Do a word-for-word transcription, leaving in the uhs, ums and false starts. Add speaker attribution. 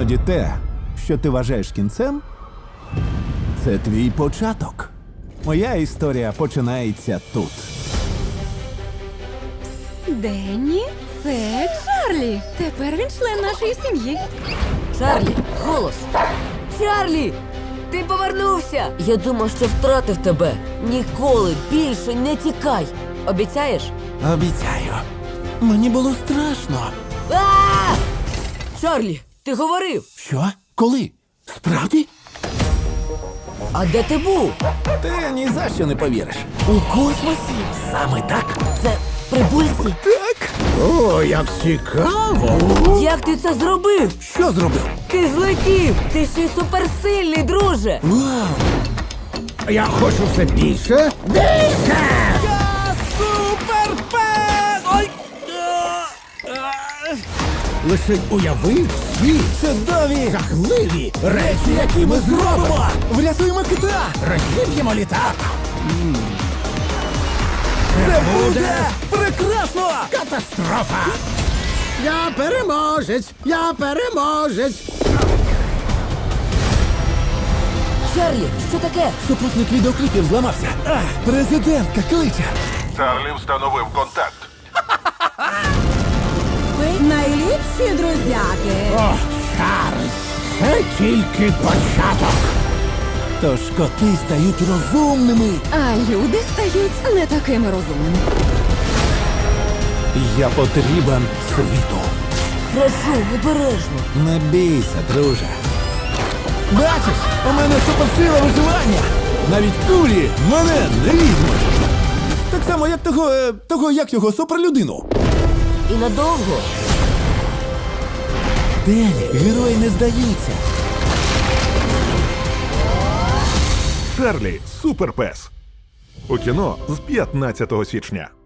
Speaker 1: Іноді те, що ти вважаєш кінцем, це твій початок. Моя історія починається тут.
Speaker 2: Денні, це Чарлі. Тепер він член нашої сім'ї.
Speaker 3: Чарлі, голос! Чарлі! Ти повернувся! Я думав, що втратив тебе. Ніколи більше не тікай. Обіцяєш?
Speaker 1: Обіцяю. Мені було страшно.
Speaker 3: А! Чарлі, ти говорив!
Speaker 1: Що? Коли? Справді?
Speaker 3: А де ти був?
Speaker 1: Ти ні за що не повіриш. У космосі? Саме так?
Speaker 3: Це прибульці?
Speaker 1: Так. О, як цікаво.
Speaker 3: Як ти це зробив?
Speaker 1: Що зробив?
Speaker 3: Ти злетів! Ти ще й суперсильний, друже!
Speaker 1: Вау!
Speaker 4: Я хочу все більше. Більше!
Speaker 1: Я суперпес! Ой!
Speaker 4: Лише уяви всі
Speaker 1: Чудові!
Speaker 4: жахливі речі, які ми зробимо.
Speaker 1: Врятуємо кита!
Speaker 4: Розіб'ємо літак.
Speaker 1: Це буде прекрасно!
Speaker 4: Катастрофа! Я переможець! Я переможець!
Speaker 3: Чарлі, що таке?
Speaker 1: Супутник відеокліпів зламався. А, президентка кличе.
Speaker 5: Чарлі встановив контакт.
Speaker 2: Ви найліпші друзяки.
Speaker 4: О, Чарльз! Це тільки початок!
Speaker 1: Тож коти стають розумними.
Speaker 2: А люди стають не такими розумними.
Speaker 1: Я потрібен світу.
Speaker 3: Прошу, обережно.
Speaker 1: Не бійся, друже. Бачиш, у мене суперсила виживання. Навіть кулі мене не візьмуть. Так само, як того, е, того як його суперлюдину.
Speaker 3: І надовго.
Speaker 1: Денні, герої не здаються.
Speaker 5: Чарлі суперпес. У кіно з п'ятнадцятого січня.